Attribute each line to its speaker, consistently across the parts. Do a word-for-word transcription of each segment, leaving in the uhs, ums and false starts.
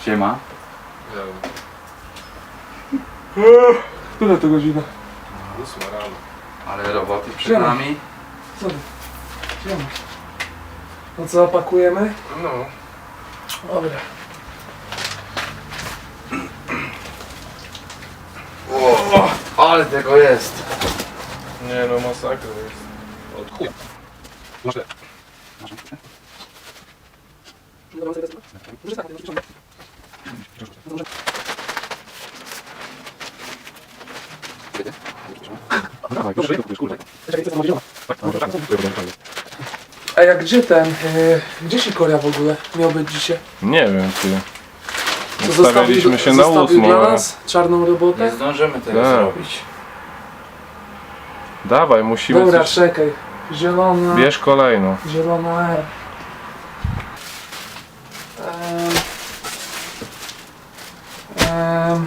Speaker 1: Siema.
Speaker 2: Która to godzina?
Speaker 3: Ósma rano.
Speaker 1: Ale roboty przed
Speaker 2: Siema.
Speaker 1: nami.
Speaker 2: Co ty? Siema. No co, pakujemy?
Speaker 3: No.
Speaker 2: Dobra.
Speaker 1: O, ale tego jest.
Speaker 3: Nie no, masakra jest. Od chuj.
Speaker 1: Masz te.
Speaker 2: A jak gdzie ten? Yy, gdzie się Korea w ogóle miał być dzisiaj?
Speaker 3: Nie wiem, ty.
Speaker 2: Co
Speaker 3: Ustawiliśmy się na
Speaker 2: zostawił
Speaker 3: ósmą.
Speaker 2: dla
Speaker 3: ale-
Speaker 2: nas czarną robotę?
Speaker 1: Nie zdążymy tego
Speaker 3: Tak.
Speaker 1: zrobić.
Speaker 3: Dawaj, musimy
Speaker 2: Dobra,
Speaker 3: coś...
Speaker 2: czekaj. Zielona.
Speaker 3: Bierz kolejną.
Speaker 2: Zielona R. Ehm. Ehm.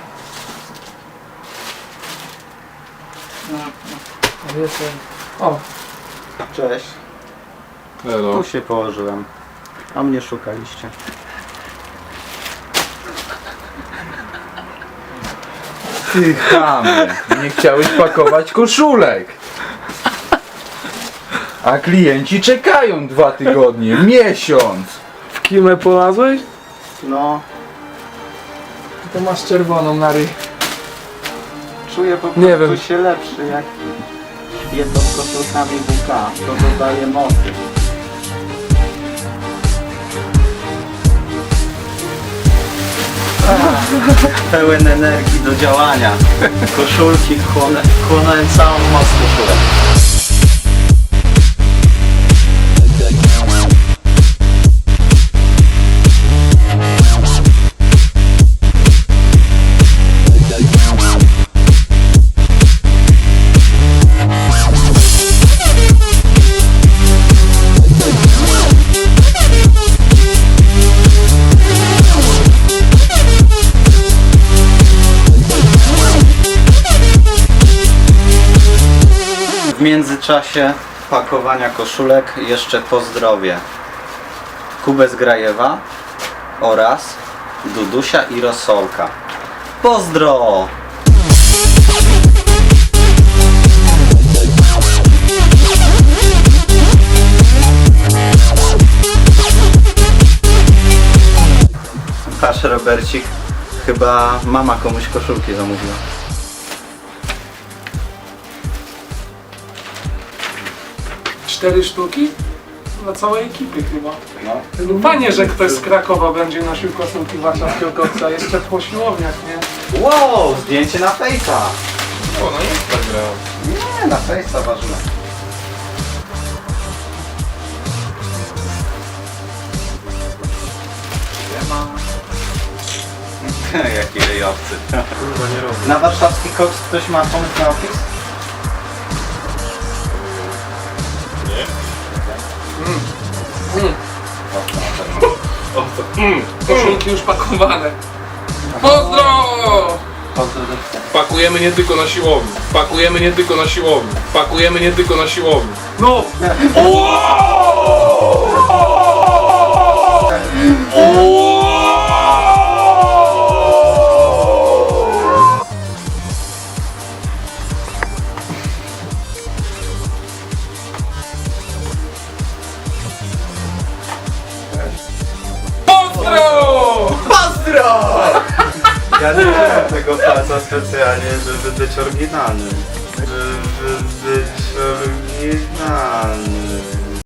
Speaker 2: A wiecie. O,
Speaker 4: Cześć,
Speaker 3: Hello.
Speaker 4: tu się położyłem, a mnie szukaliście.
Speaker 1: Ty chamie, nie chciałeś pakować koszulek. A klienci czekają dwa tygodnie, miesiąc.
Speaker 2: w kimę polazłeś?
Speaker 4: No,
Speaker 2: To masz czerwoną na ryj.
Speaker 4: czuję po
Speaker 2: Nie
Speaker 4: prostu
Speaker 2: wiem.
Speaker 4: się lepszy, jak jedno z koszulkami W K, to dodaje mocy. Pełen energii do działania. Koszulki chłonę, chłonąłem całą moc koszulek. W międzyczasie pakowania koszulek jeszcze pozdrowię Kubę z Grajewa oraz Dudusia i Rosolka. Pozdro! Patrz, Robercik, chyba mama komuś koszulki zamówiła.
Speaker 2: Cztery sztuki? Dla całej ekipy chyba.
Speaker 4: No.
Speaker 2: Fajnie, że ktoś z Krakowa będzie nosił koszulki warszawskiego koksa, jeszcze po siłowniach, nie?
Speaker 4: Wow, zdjęcie na fejsa!
Speaker 3: O, no Instagram.
Speaker 4: Nie, na fejsa ważne. Jaki ryjowcy.
Speaker 3: Kurwa, nie robię.
Speaker 4: Na warszawski koks ktoś ma pomysł na opis?
Speaker 3: Nie?
Speaker 2: Mm.
Speaker 3: O, to... Mm.
Speaker 2: Koszulki już pakowane. Pozdro!
Speaker 4: Pozdrowcie.
Speaker 3: Pakujemy nie tylko na siłowni. Pakujemy nie tylko na siłowni. Pakujemy nie tylko na siłowni.
Speaker 2: No!
Speaker 3: Pozdro!
Speaker 4: Pozdro! Ja nie wziąłem tego palca specjalnie, żeby być oryginalnym. Żeby